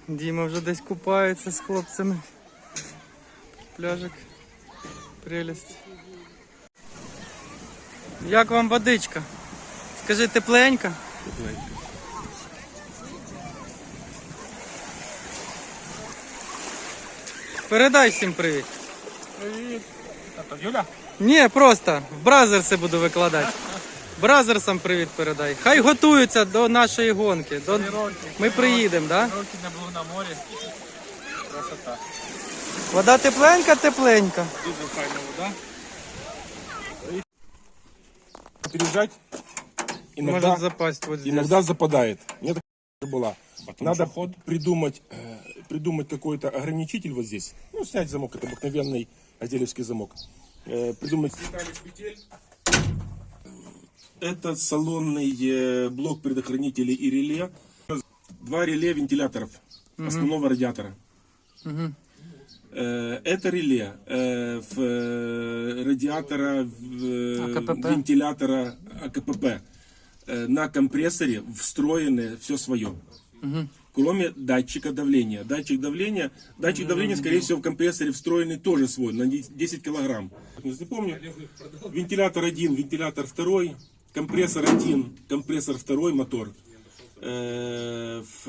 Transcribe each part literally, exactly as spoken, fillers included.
Діма вже десь купається з хлопцями. Пляжик. Прелесть. Як вам водичка? Скажи, тепленька? Тепленька. Передай всім привіт. Привіт. А то Юля? Ні, просто в бразерси буду викладати. Бразерсам привіт передай. Хай готуються до нашої гонки. До... Ми приїдемо, так? Да? Роки не було на морі. Красота. Вода тепленька, тепленька. Дуже файна вода. Переезжать иногда, Может запасть вот здесь. иногда западает. Мне так была. Надо ход. придумать, э, придумать какой-то ограничитель вот здесь. Ну, снять замок, это обыкновенный азелевский замок. Э, придумать. Это салонный э, блок предохранителей и реле. Два реле вентиляторов угу. основного радиатора. Угу. Э, это реле э, в, э, радиатора в, э, АКПП. вентилятора АКПП. Э, на компрессоре встроены все свое. Угу. Кроме датчика давления. Датчик давления, датчик давления, скорее всего, в компрессоре встроенный тоже свой, на десять килограмм. Не помню. Вентилятор один, вентилятор второй, компрессор один, компрессор второй, мотор. Э, в,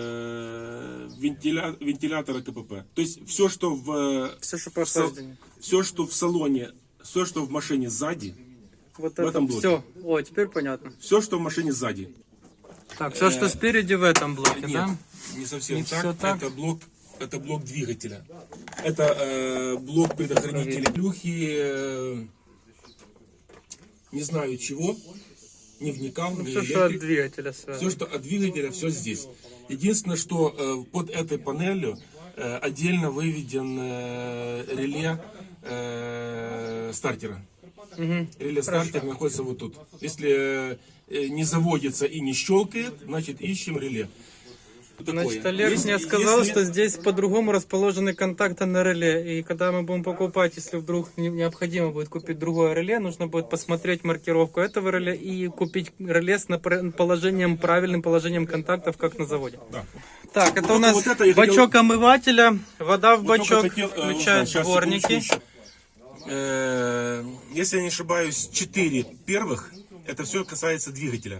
э, вентиля, вентилятор КПП. То есть все, что в, все, что по в, все, что в салоне, все, что в машине сзади, вот в это этом блоке. Все. О, теперь понятно. Все, что в машине сзади. Так, все, что спереди в этом блоке, Нет, да? не совсем Не так. всё так. Это блок, это блок двигателя. Это э, блок предохранителя. Плюхи, э, не знаю чего, не вникал. Ну, не все, электрик. что от двигателя связано. Все, что от двигателя, все здесь. Единственное, что э, под этой панелью э, отдельно выведен э, реле э, стартера. Угу. Реле стартер находится вот тут. Если э, не заводится и не щелкает, значит ищем реле. Значит, Олег Если- мне сказал, если- что здесь по-другому расположены контакты на реле. И когда мы будем покупать, если вдруг не- необходимо будет купить другое реле, нужно будет посмотреть маркировку этого реле и купить реле с напр- положением, правильным положением контактов, как на заводе. Да. Так, это Вот- у нас вот это я бачок омывателя, вода в Вот только бачок, хотел, э, включают узнать, щас, дворники. секундочку еще. Э, Если я не ошибаюсь, четыре первых, это все касается двигателя.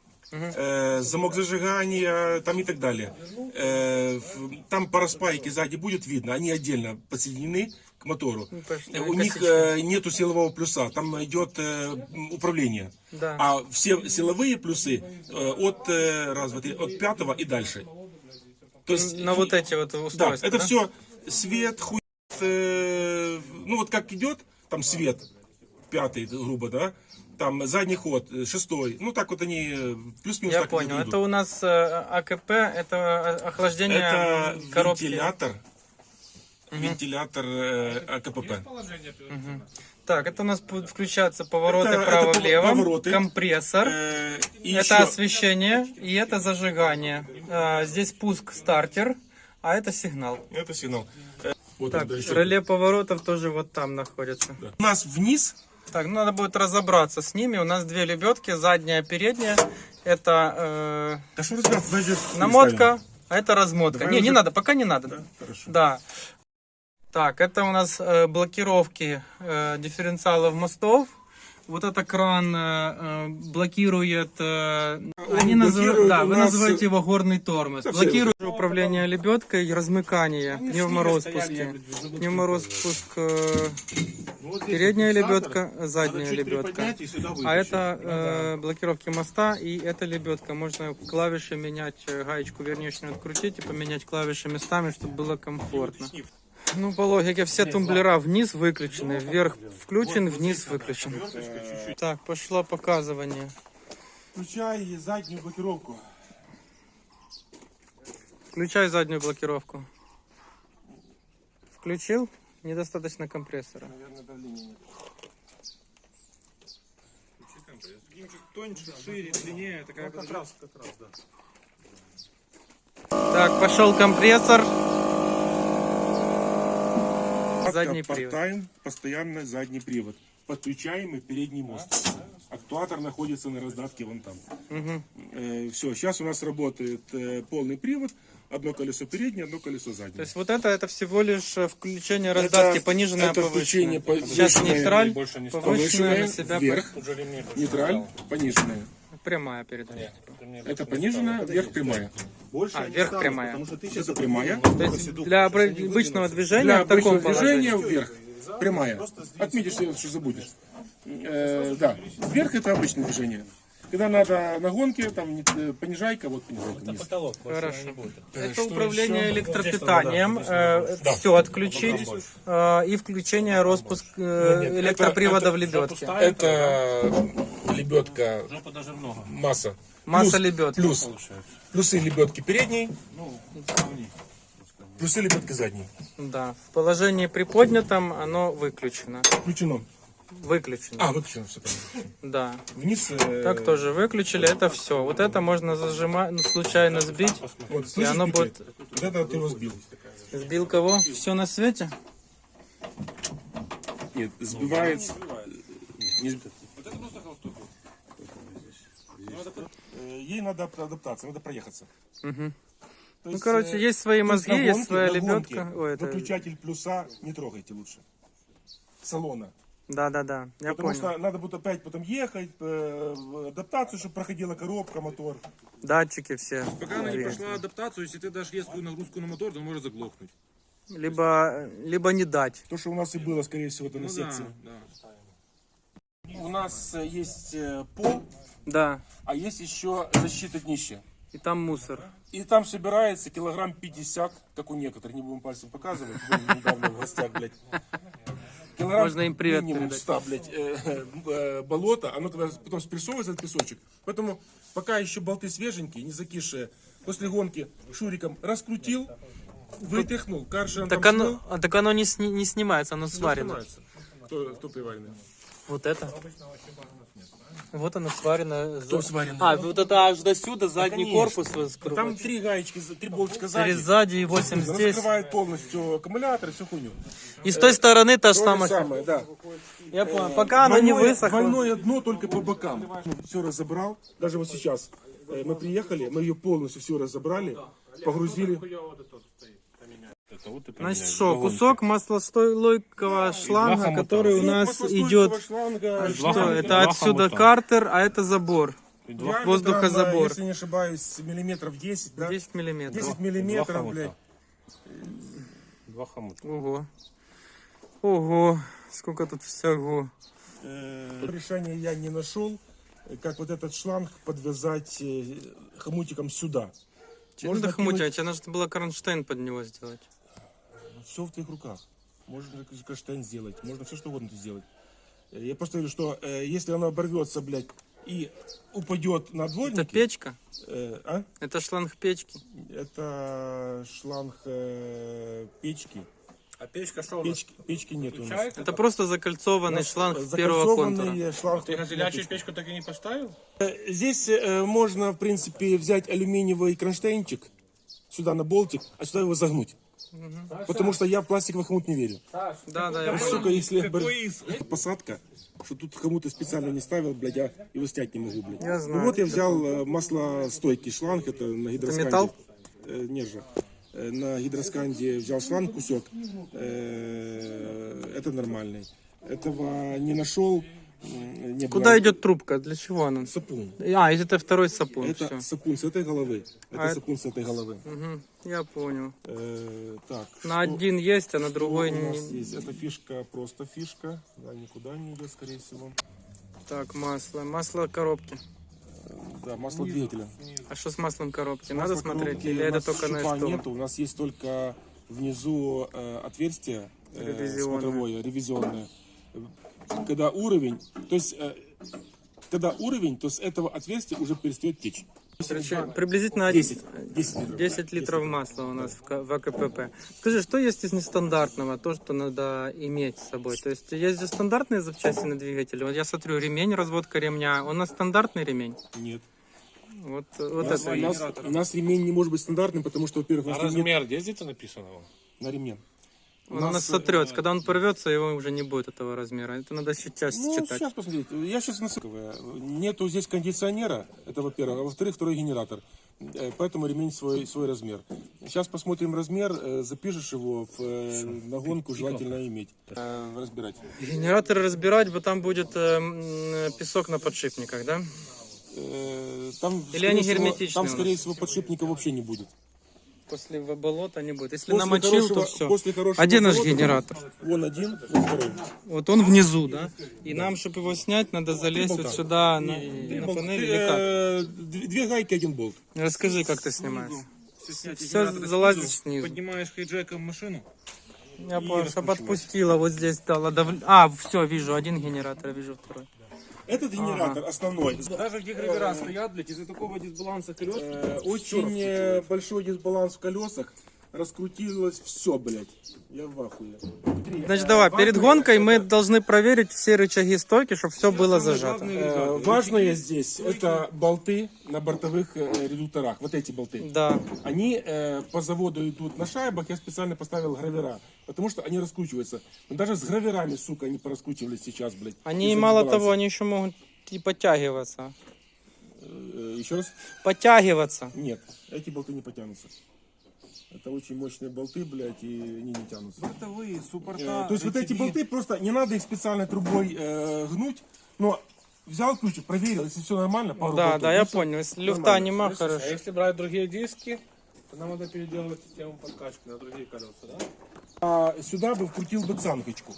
Э, Замок зажигания, там и так далее. Э, в- Там параспайки сзади будет видно, они отдельно подсоединены к мотору. точно, Э, У них косичка. э, нету силового плюса, там идет э, управление. Да. А все силовые плюсы э, от, э, раз, два, три, от пятого и дальше. То есть, На вот эти вот да, устройства. это да? все свет, хуй, э, ну вот как идет, там свет, пятый, грубо, да, там задний ход, э, шестой, ну так вот они э, плюс-минус Я так понял. идут. Это у нас э, АКП, это охлаждение Это коробки. вентилятор, вентилятор э, АКПП. Так, это у нас будут включаться повороты Это- это право-влево, повороты. компрессор, Э, и это еще- освещение и это зажигание. А, здесь пуск стартер, а это сигнал. Это сигнал. Э, Вот Так, он, да, еще. реле поворотов тоже вот там находится. Да. У нас вниз. Так, ну надо будет разобраться с ними. У нас две лебедки, задняя, передняя. Это Да что разбирать, даже э, намотка, а это размотка. Давай не, не уже- надо, пока не надо. Да, хорошо. Да. Так, это у нас э, блокировки э, дифференциалов мостов. Вот это кран э, э, блокирует, э, они называют, блокирует да, у вы нас- называете его горный тормоз. Да, все Блокирует управление лебедкой, размыкание, пневмороспуски. Пневмороспуск, э, передняя лебедка, задняя лебедка. А это э, блокировки моста и это лебедка. Можно клавиши менять, э, гаечку верничную открутить и поменять клавиши местами, чтобы было комфортно. Ну, по логике, все тумблера вниз выключены, вверх включен, вниз выключен. Так, пошло показывание. Включай заднюю блокировку. Включай заднюю блокировку. Включил? Недостаточно компрессора. Наверное, давления нет. Тоньше, шире, длиннее, такая как раз, как раз, да. Так, пошел компрессор. Задний привод. Part-time, постоянно задний привод. Подключаемый передний мост. Актуатор находится на раздатке вон там. Угу. Все, сейчас у нас работает э, полный привод. Одно колесо переднее, одно колесо То заднее. есть вот это, это всего лишь э, включение раздатки, Это- пониженное, это повышенное. включение Сейчас повышенное, нейтраль, больше не повышенное Повышенное на себя. вверх, нейтраль, пониженное. Прямая передача. Это пониженное, вверх прямая. А, вверх прямая. Это прямая. То есть для обы- обычного движения Для в таком обычного положении. движения вверх. Прямая. Отметишь, что забудешь. Э, да, вверх это обычное движение. Когда надо на гонке, там э, понижайка, вот понижайка вниз. Потолок больше Хорошо. не будет. Это управление электропитанием, все отключить э, и включение распуск э, электропривода в лебедке. Это лебедка Жопа даже много. масса. Масса Плюс- лебедки. Плюс. Плюсы лебедки передней. Плюсы лебедки задней. Да, в положении приподнятом оно выключено. Включено. Выключено. А, выключено все понятно. Да. Вниз. э, Так тоже выключили, это все. Вот это можно зажимать, ну, случайно сбить. Вот, И слышишь, оно пикает? будет... Вот это ты его сбил. Сбил кого? Все на свете? Нет, сбивает. Не сб- Э, Ей надо ап- адаптация, надо проехаться. Мгм. То Ну, короче, э, есть свои то мозги, на есть гонке- своя на гонке лебедка. Ой, это... Выключатель плюса не трогайте лучше. Салона. Да-да-да, я Потому понял. что надо будет опять потом ехать, э, в адаптацию, чтобы проходила коробка, мотор. Датчики все. Пока она не двигателя. прошла адаптацию, если ты дашь резкую нагрузку на мотор, то он может заглохнуть. Либо, либо не дать. То, что у нас и было, скорее всего, это на Ну да, секции. да. У нас э, есть э, пол, Да, а есть еще защита днища. и там мусор. И там собирается килограмм пятьдесят, как у некоторых, не будем пальцем показывать, были недавно в гостях, блядь. Килограмм Можно им привет минимум передать. ста, блядь, э, э, болото, оно тогда потом спрессовывается, этот песочек. Поэтому пока еще болты свеженькие, не закисшие, после гонки шуриком раскрутил, вытряхнул, каршером Так там оно, смыл, а, так оно не, сни- не снимается, оно сварено. снимается. Кто, кто приваренный? Вот это. Вот оно сварено. Что сварено? А, вот это аж до сюда, задний конечно. корпус. вот скру- Там три гаечки, три болтика Через сзади. сзади и восемь Она здесь. закрывает полностью аккумулятор и всю хуйню. И с той стороны та же То же самая. самое, да. Я понял. Пока оно не Двойное- высохло. Двойное дно только по бокам. Все разобрал. Даже вот сейчас э, мы приехали, мы ее полностью все разобрали, погрузили. Значит, что, кусок маслостойкого шланга, который у нас идет. Шланга, Что, это отсюда картер, а это забор. диаметром, воздухозабор. если не ошибаюсь, миллиметров десять, да? десять миллиметров. десять миллиметров, блядь. Два хомута. Ого. Ого. Сколько тут всего. Э, Решения я не нашел, э, как вот этот шланг подвязать э, хомутиком сюда. Че надо хомутить? Тебе нужно было кронштейн под него сделать. Все в твоих руках. Можно кронштейн сделать, можно все что угодно сделать. Э, Я просто говорю, что э, если оно оборвется, блядь, и упадет на Это дворники... печка? э, а? Это шланг печки. Это шланг э, печки. А печка что у нас? Печки, печки нет у нас. Включается? Это просто закольцованный шланг первого Закольцованный контура. шланг. Ты газелячую печку так и не поставил? Э, Здесь э, можно, в принципе, взять алюминиевый кронштейнчик сюда на болтик, а сюда его загнуть. Потому что я в пластиковый хомут не верю. Да, да, я понял. Сука, если бр- посадка, что тут хомуты специально не ставил, блядь, я его снять не могу, блядь. Я знаю. Ну вот я взял э, маслостойкий шланг, это на гидросканде. металл? Э, нержа. Э, На гидросканде взял шланг кусок, э, это нормальный. Этого не нашел. м, Не Куда брал. идет трубка? Для чего она? Сапун. А, и это второй сапун. Это Все. сапун с этой головы. Это А сапун с этой головы. Я понял. Э, так. На что- один есть, а на что другой у нас не. есть? Эта фишка просто фишка. Да, никуда не идет, скорее всего. Так, масло. Масло коробки. Да, масло двигателя. А что с маслом коробки? Надо Масло смотреть? коробки Или у это нас только на шипа СТО? нету. У нас есть только внизу э, отверстие э, Ревизионное. смотровое, ревизионное. Когда уровень, то есть э, когда уровень, то с этого отверстия уже перестает течь. Короче, приблизительно десять. десять литров. десять литров масла у нас в К- в АКПП. Скажи, что есть из нестандартного, то, что надо иметь с собой? То есть есть же стандартные запчасти на двигателе. Вот я смотрю, ремень, разводка ремня. У нас стандартный ремень? Нет. Вот, вот У нас, это у, есть. нас, у нас ремень не может быть стандартным, потому что, во-первых, у А нас ремень размер где где-то написано? на ремне. Он у нас сотрется. Когда он порвется, его уже не будет этого размера. Это надо сейчас Ну, читать. сейчас посмотрите. Я сейчас насыпываю. Нету здесь кондиционера, это во-первых. А во-вторых, второй генератор. Э, Поэтому ремень свой, свой размер. Сейчас посмотрим размер, э, запишешь его в э, нагонку, желательно иметь. Э, Разбирать. Генератор разбирать, бо там будет э, м, песок на подшипниках, да? Э, Там, Или скорее они всего, герметичные Там, у нас? скорее всего, подшипника вообще не будет. После в- болота не будет. Если После намочил, хорошего- то все. после хорошего А где наш болота- генератор? Вон один, вон второй. Вот он внизу, да? И нам, чтобы его снять, надо залезть вот сюда, на, Три на болта. панель или как? Э, Две две гайки, один болт. Расскажи, как ты снимаешь. Все Все залазит снизу. Поднимаешь хейджеком машину. Я понял, чтобы отпустила, вот здесь дала дав- А, все, вижу, один генератор, вижу второй. Этот генератор основной. Даже где гравера стоят, блядь, из-за такого дисбаланса колес. Э, Очень э, большой дисбаланс в колесах. Раскрутилось все, блядь. Я в ахуе. Значит, давай, перед гонкой мы должны проверить все рычаги стойки, чтобы все было зажато. Э, Важное здесь это болты на бортовых э, редукторах. Вот эти болты. Да. Они э, по заводу идут на шайбах. Я специально поставил гравера. Потому что они раскручиваются. Но даже с граверами, сука, они пораскручивались сейчас, блядь. Они, из-за мало дисбаланса. того, они еще могут и подтягиваться. Э, Еще раз? Подтягиваться. Нет, эти болты не потянутся. Это очень мощные болты, блядь, и они не тянутся. Бортовые, Э, суппорта. То есть вот эти болты просто не надо их специальной трубой э, гнуть, но взял ключик, проверил, если все нормально, пару Да, болтов да, я бросил, понял. Если люфта нормально. нема, А хорошо. если брать другие диски, то нам надо переделывать систему подкачки на другие колеса, да? А сюда бы вкрутил бы цангочку.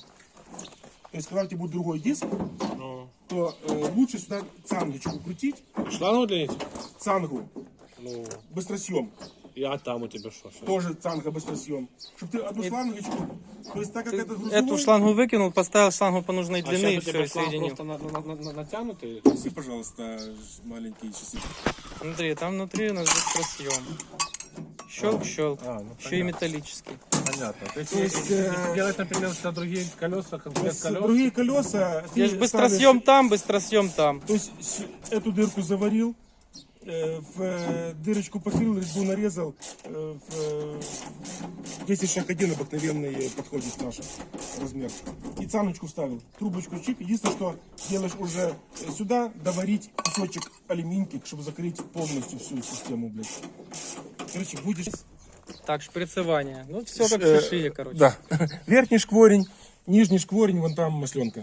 То есть когда у тебя будет другой диск, Ну. то э, лучше сюда цангочку крутить, Шлангу для них? цангу, Ну, быстросъем, я там у тебя что? что? тоже цанга быстросъем, чтобы ты одну шлангочку, то есть так как это грузовой, Эту шлангу выкинул, поставил шлангу по нужной А длины и сейчас у все, тебя и шланг соединил. просто на- на- на- на- натянутый? Неси, пожалуйста, маленькие часы. Смотри, там внутри у нас быстросъем. Щелк-щелк. А, ну, Еще и металлический. Понятно. То есть, То есть, если э, делать, например, на другие колеса, комплект С- колес, Другие колеса. ты Я же ставишь- быстросъем там, быстросъем там. То есть с- эту дырку заварил, э, в э, дырочку посылил, резьбу нарезал, э, в э, десять шаг один обыкновенный э, подходит наш размер. И цаночку вставил, трубочку чик. Единственное, что делаешь уже э, сюда, доварить кусочек алюминьки, чтобы закрыть полностью всю систему, блядь. Короче, будешь... Так, шприцевание. Ну, все как Э, в шишие, короче. Да. Верхний шкворень, нижний шкворень, вон там масленка.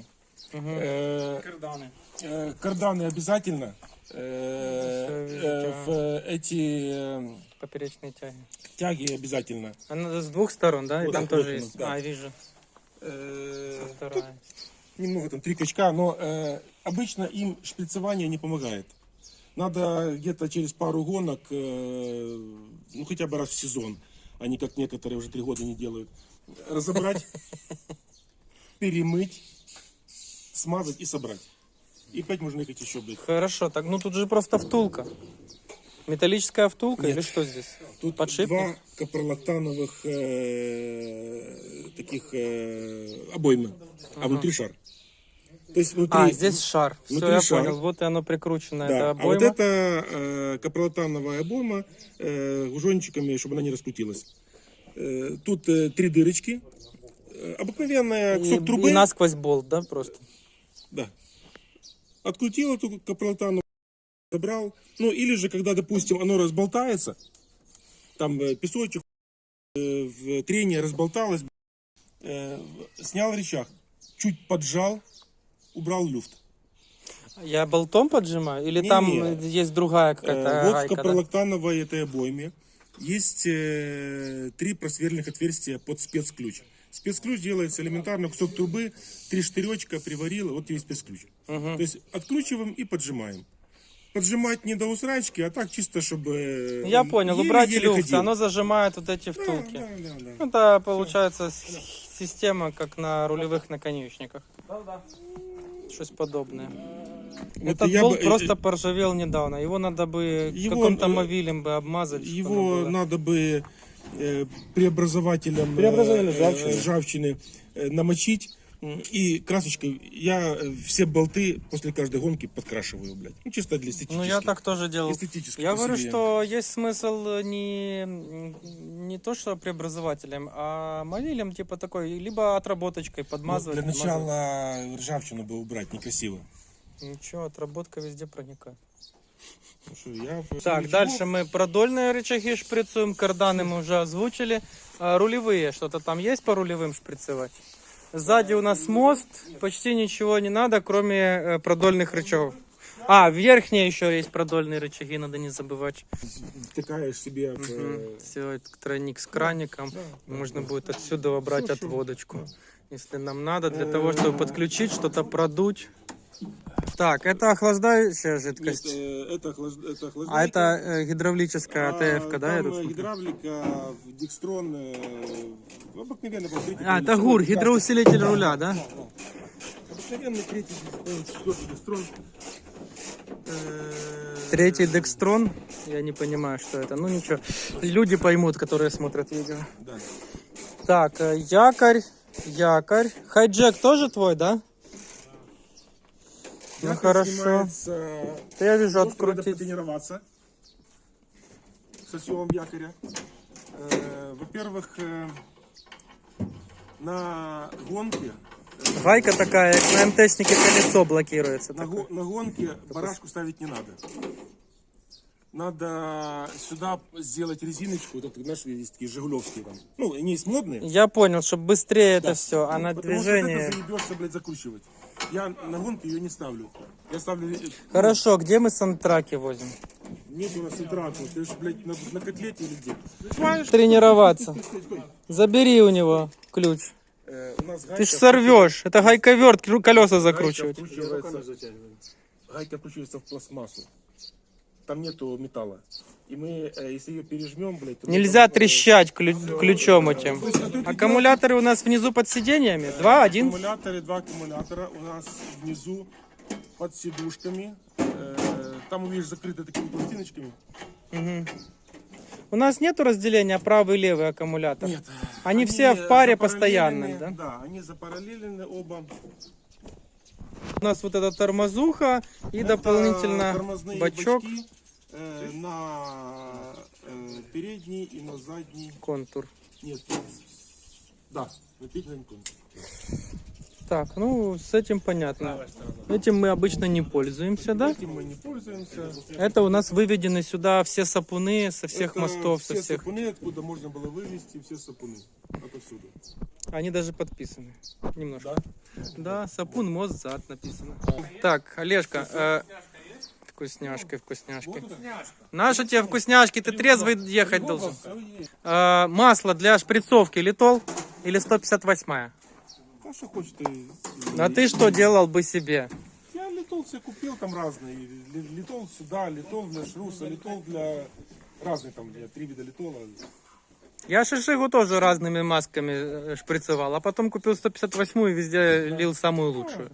Э, Карданы. Э, Карданы обязательно. Э, э, В э, эти э, Поперечные тяги. тяги обязательно. А надо с двух сторон, да? И Вот там так тоже вот, есть. да. А, вижу. Э, Вторая. Немного там, три качка, но э, обычно им шприцевание не помогает. Надо где-то через пару гонок, э, ну хотя бы раз в сезон, а не как некоторые уже три года не делают, разобрать, перемыть, смазать и собрать. И опять можно ехать еще, блядь. Хорошо, так, ну тут же просто втулка. Металлическая втулка или что здесь? Тут Подшипник? два капролактановых э, таких э, обоймы, а внутри шар. То есть внутри, А, здесь шар. Все, внутри я шар. понял. Вот и оно прикручено. да. Это А обойма. вот это э, капролактановая обойма э, гужончиками, чтобы она не раскрутилась. Э, тут э, три дырочки. Э, обыкновенная И, кусок и трубы. насквозь болт, да, просто? Да. Открутил эту капролактановую, забрал. Ну, или же, когда, допустим, оно разболтается, там э, песочек, э, в трение разболталось, э, снял рычаг, чуть поджал, убрал люфт. Я болтом поджимаю? Или Не-не. там есть другая Э, какая-то вот в гайка, да? капролактановой этой обойме есть э, три просверльных отверстия под спецключ. Спецключ делается элементарно, кусок трубы, три штыречка, приварил, вот тебе спецключ. То есть откручиваем и поджимаем. Поджимать не до усрачки, а так чисто, чтобы... Я он понял, еле-еле убрать люфт, ходил. оно зажимает вот эти Да, втулки. да, да, да. Это получается с- система, как на рулевых наконечниках. Что-то подобное. Вот Этот я болт бы, э, просто поржавел недавно. Его надо бы Его, каким-то э, мовилем бы обмазать. чтобы Его было. надо бы э, преобразователем э, Преобразователь э, ржавчины. ржавчины, э, намочить, И красочкой я э, все болты после каждой гонки подкрашиваю, блядь. Ну, чисто для эстетически. Ну, я так тоже делал. Эстетически Я по говорю, себе. что есть смысл не, не то, что преобразователем, а мовилем, типа такой, либо отработочкой Ну, подмазывать. для подмазывать. начала ржавчину бы убрать, некрасиво. Ничего, отработка везде проникает. Ну, что, я в- Так, ничего. дальше мы продольные рычаги шприцуем, карданы мы уже озвучили. А, рулевые, что-то там есть по рулевым шприцевать? Сзади у нас мост, почти ничего не надо, кроме э, продольных рычагов. А, верхние еще есть продольные рычаги, надо не забывать. Втыкаешь себе в, э, Все, тройник с краником. Можно будет отсюда брать отводочку, если нам надо, для того, чтобы подключить, что-то продуть. Так, это охлаждающая Нет, жидкость. э, это, охлаж- это А охлаждайка. это э, гидравлическая АТФ, да? я Там тут э, смотрю? гидравлика, Декстрон, э, обыкновенный был третий. А, был это ГУР, Декстрон. гидроусилитель руля, да? Обыкновенный третий, э, четвертый Декстрон. Э, Третий Декстрон. Я не понимаю, что это. Ну ничего. Люди поймут, которые смотрят видео. Да. Так, э, якорь. Якорь. Хайджек тоже твой, да? Ну Якорь хорошо. снимается, Да я вижу, ну, надо открутить. потренироваться со съемом якоря. Э, Во-первых, э, на гонке Гайка такая, как на МТшнике колесо блокируется. На, такое. го- на гонке барашку ставить не надо. Надо сюда сделать резиночку, вот это, знаешь, есть такие жигулевские там. Ну, они есть модные. Я понял, чтобы быстрее это все, а на Потому движение... что вот это заебешься, блядь, закручивать. Я на гонке ее не ставлю. Я ставлю... э, Хорошо, где мы сантраки возим? Нет у нас интраку. Ты же, блядь, на, на котлете или где? Тренироваться. Забери у него ключ. Э, у нас гайка Ты ж сорвешь. Это гайковерт, кру- колеса Гайка закручивать. вкручивается, гайка вкручивается в пластмассу. Там нету металла. И мы, э, если ее пережмем, блядь... то мы Нельзя там, э, трещать клю- ключом этим. Аккумуляторы у нас внизу под сиденьями. Два, один. Аккумуляторы, два аккумулятора у нас внизу под сидушками. Э, Там, увидишь, закрыты такими пластиночками. У нас нету разделения правый и левый аккумулятор. Нет. Они все в паре постоянно, запараллелены, да? Да, они запараллелены оба. У нас вот эта тормозуха и Это дополнительно тормозные бачок, бачки, э, на э, передний и на задний. контур. Нет, да, на передний контур. Так, ну с этим понятно. Этим мы обычно не пользуемся, да? Этим мы не пользуемся. Это у нас выведены сюда все сапуны со всех Это мостов, все со всех. сапуны, откуда можно было вывести все сапуны. Отовсюду. Они даже подписаны. Немножко. Да, сапун, мост, зад написано. Так, Олежка, э, вкусняшки, вкусняшки. Наши тебе вкусняшки, ты трезвый ехать должен. Э, масло для шприцовки литол или сто пятьдесят восемь? А что хочешь ты? А ты что делал бы себе? Я литол себе купил там разные. Ли- Литол сюда, литол для шруса, литол для разных там, для три вида литола. Я шишигу тоже разными масками э, шприцевал, а потом купил сто пятьдесят восемь и везде лил самую лучшую.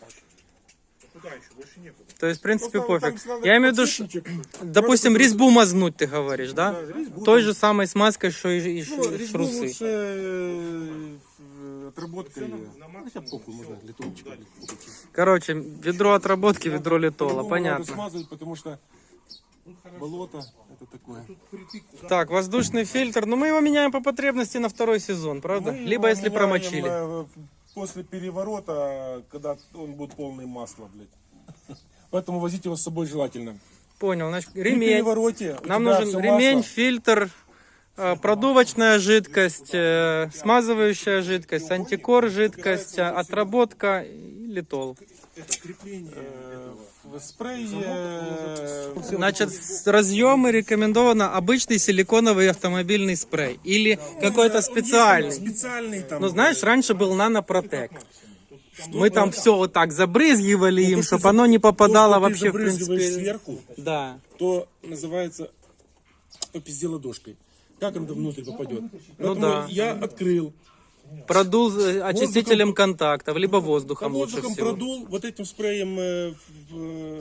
То есть, в принципе, Ну, там- пофиг. там надо Я имею в виду, ш- подсветничек. допустим, резьбу мазнуть, ты говоришь, да? Да, резьбу Той там. же самой смазкой, что и, и ш- Ну, резьбу шрусы. лучше э, в- отработкой. Ну, хотя похуй, можно литольчик. Короче, ведро отработки, ведро литола, По-любому понятно. Надо смазывать, потому что болото это такое. Так, воздушный фильтр, ну мы его меняем по потребности на второй сезон, правда? Мы Либо его если меняем, промочили. э, После переворота, когда он будет полный масла, блядь. Поэтому возить его с собой желательно. Понял, значит, При ремень. перевороте у Нам тебя нужен всё ремень, масло. фильтр, э, продувочная жидкость, э, смазывающая жидкость, антикор жидкость, э, отработка и литол. Э, В спрей. э, Значит, с- разъемы рекомендовано обычный силиконовый автомобильный спрей или какой-то есть там специальный. Специальный там. Ну, знаешь, раньше был нанопротек. Мы там все вот так забрызгивали им, Ну, то, что чтобы оно не попадало то, что ты вообще, в забрызгиваешь принципе. сверху, Да. то называется попизде ладошкой. Как он внутрь попадет? Поэтому да. я открыл. Продул э, очистителем контактов, либо воздухом лучше Воздухом всего. продул, вот этим спреем э, в-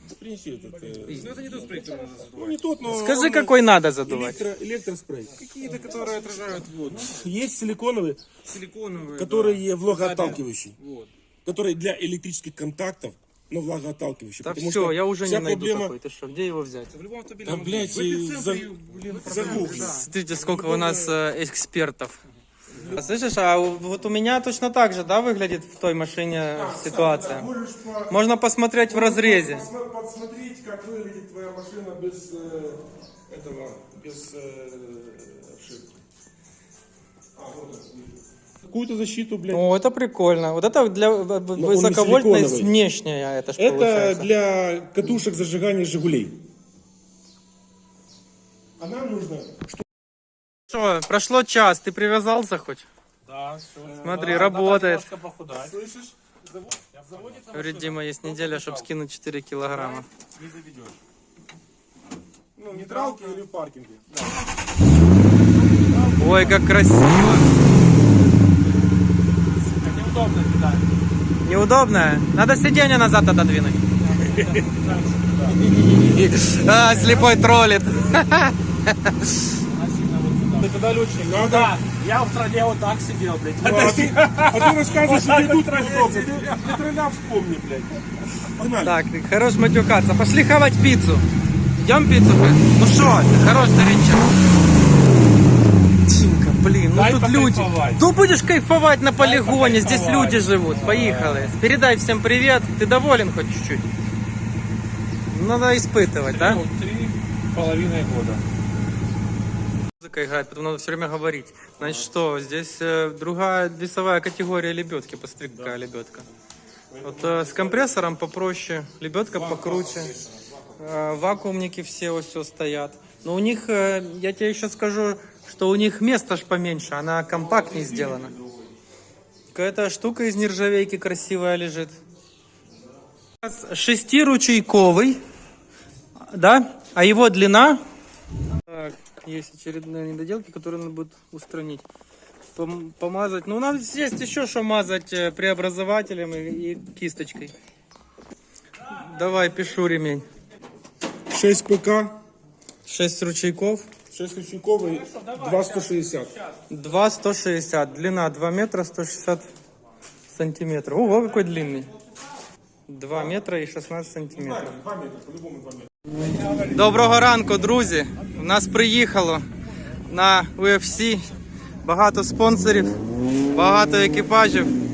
Принеси этот. э, Ну это не тот спрей, который надо задувать. Ну не тот, но... Скажи, он какой надо задувать. электро- электроспрей. Какие-то, которые отражают воду. Есть силиконовые, Силиконовые. которые да. влагоотталкивающие. Вот. Которые для электрических контактов, но влагоотталкивающие. Да потому все, что я уже не вся найду проблема... такой. Ты что, где его взять? В любом автомобильном Да, блядь, магазине. В и эпицентре, за- блин, загугли. да. Смотрите, сколько у нас э, экспертов. А слышишь, а у- вот у меня точно так же, да, выглядит в той машине ситуация? Можешь по- Можно посмотреть в разрезе. посмо- посмотреть, как выглядит твоя машина без э, этого, без э, обшивки. А, вот это, вижу. Какую-то защиту, блядь. О, это прикольно. Вот это для в- в- он не высоковольтной силиконовый. внешняя, это ж Это получается. для катушек зажигания «Жигулей». А нам нужно... Что, прошло час, ты привязался хоть? Да, все. Смотри, работает. Немножко похудать. Слышишь? Заводится Говорит, Дима, есть неделя, чтобы скинуть четыре килограмма. не заведешь. Ну, в нейтралке или в паркинге. Ой, как красиво. Неудобно кидать. Неудобно? Надо сиденье назад отодвинуть. А, слепой троллит. Это тогда летчик. Надо... Да, я в тролле вот так сидел, блядь. А ты, а ты рассказываешь, что идут удобно. Ты тролля вспомни, блядь. Погнали. Так, хорош матюкаться. Пошли хавать пиццу. Идем пиццу? Ну что, хорош старичок. Тимка, блин, ну Дай тут люди. покайфовать. Ну будешь кайфовать на полигоне, здесь покайфовать. люди живут. Поехали. Передай всем привет. Ты доволен хоть чуть-чуть? Надо испытывать, да? Ну, три половиной года. Музыка играет, потому надо все время говорить. Значит что, здесь э, другая весовая категория лебедки. Посмотри, какая лебедка. Вот э, с компрессором попроще, лебедка покруче. Э, вакуумники все вот все стоят. Но у них, э, я тебе еще скажу, что у них место ж поменьше, она компактнее сделана. Какая-то штука из нержавейки красивая лежит. Шестиручейковый, да, а его длина... Так, есть очередные недоделки, которые надо будет устранить. Пом- помазать. Ну, у нас есть еще что мазать э, преобразователем и, и кисточкой. Давай, пишу ремень. шесть ПК, шесть ручейков. шесть ручейков и два сто шестьдесят. два сто шестьдесят. Длина два метра сто шестьдесят сантиметров. Ого, какой длинный. два метра и шістнадцять сантиметрів. два метра, по-любому два метра. Доброго ранку, друзі! У нас приїхало на ю еф сі багато спонсорів, багато екіпажів.